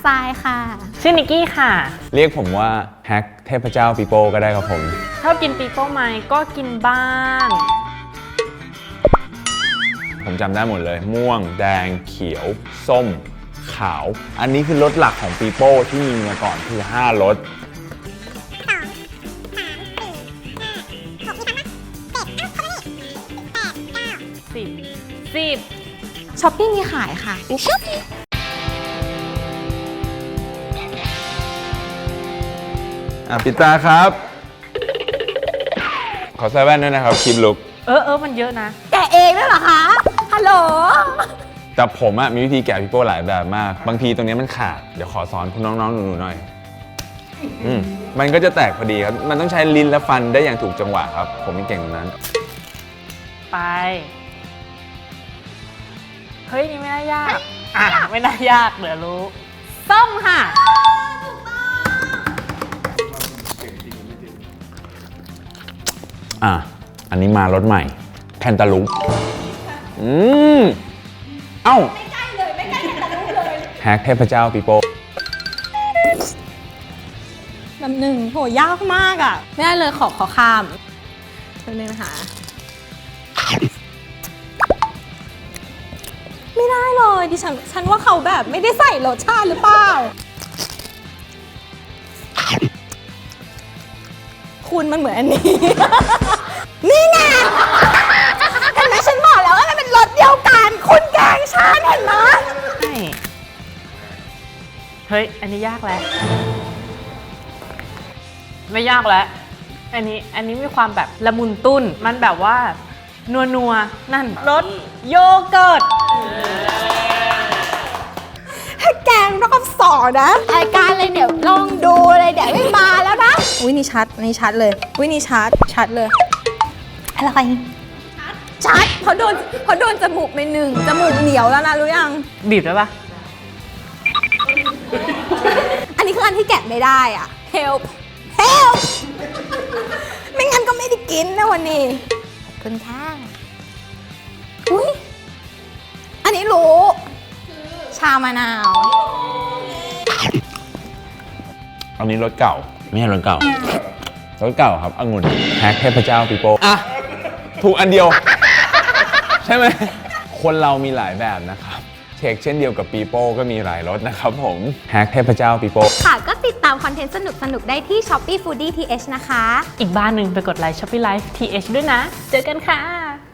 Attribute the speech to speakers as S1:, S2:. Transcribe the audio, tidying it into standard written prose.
S1: ตล์ค่ะ
S2: ชื่อนิกกี้ค่ะ
S3: เรียกผมว่าแฮกเทพเจ้าปีโป้ก็ได้ครับผม
S2: ชอบกินปีโป้ไหมก็กินบ้าง
S3: ผมจำได้หมดเลย ม่วงแดงเขียว ส้ม ขาว อันนี้คือรสหลักของปีโป้ที่มีมาก่อนคือ5รส
S1: ช้อปปี้มีขายค่ะ
S3: ปิดตาครับ ขอใส่แว่นด้วยนะครับคลิปลุก
S2: มันเยอะนะ
S1: แกะเองด้วยเหรอคะ ฮัลโหล
S3: แต่ผมมีวิธีแกะปีโป้หลายแบบมาก บางทีตรงนี้มันขาด เดี๋ยวขอสอนคุณน้องๆหนูๆหน่อย มันก็จะแตกพอดีครับ มันต้องใช้ลิ้นและฟันได้อย่างถูกจังหวะครับ ผมไม่เก่งตรงนั้น
S2: ไป เฮ้ย นี่ไม่น่ายาก ไม่น่ายากเดี๋ยวรู้ ส้มค่ะ
S3: อันนี้มารสใหม่แคนตาลูปเอ้าไม่ใกล้เลยไม่ใกล้แคนตาลูปเลยแฮกเทพเจ้าปีโป้
S1: แบบหนึ่งโหยากมากอ่ะ ไม่ได้เลยขอข้ามเป็นนึงนะคะไม่ได้เลยดิฉันว่าเขาแบบไม่ได้ใส่รสชาติหรือเปล่า คุณมันเหมือนอันนี้ นี่ไงเห็นไหมฉันบอกแล้วว่ามันเป็นรสเดียวกัน คุณแกล้งฉันเห็นไหม
S2: ใช่ เฮ้ย อันนี้ยากแล้ว ไม่ยากแล้ว อันนี้มีความแบบละมุนตุ้น มันแบบว่านัวนั่นรสโยเกิร์ต
S1: ถ้าแกงรอบสองนะรายการเลยเดี๋ยวลองดูเลยเดี๋ยวไม่มาแล้วนะอุ้ยนี่ชัดเลยอุ้ยนี่ชัดเลยอะไรชัดเพราะโดนจมูกไปหนึ่งจมูกเหนียวแล้วนะรู้ยัง
S2: บีบได้ปะ
S1: อันนี้คืออันที่แกะไม่ได้อ่ะ help ไม่งั้นก็ไม่ได้กินนะวันนี้ขอบคุณค่ะอุ้ยอันนี้รู้ชามะนาว
S3: อันนี้รสเก่า ไม่ใช่รสเก่า รสเก่าครับองุ่นแฮกเทพเจ้าปีโป้ถูกอันเดียว ใช่ไหม คนเรามีหลายแบบนะครับเช็คเช่นเดียวกับปีโป้ก็มีหลายรสนะครับผมแฮกเทพเจ้าปีโป้
S1: ค่ะก็ติดตามคอนเทนต์สนุกๆได้ที่ Shopee Foodie TH นะคะ
S2: อีกบ้านหนึ่งไปกดไลค์ Shopee Live TH ด้วยนะ เจอกันค่ะ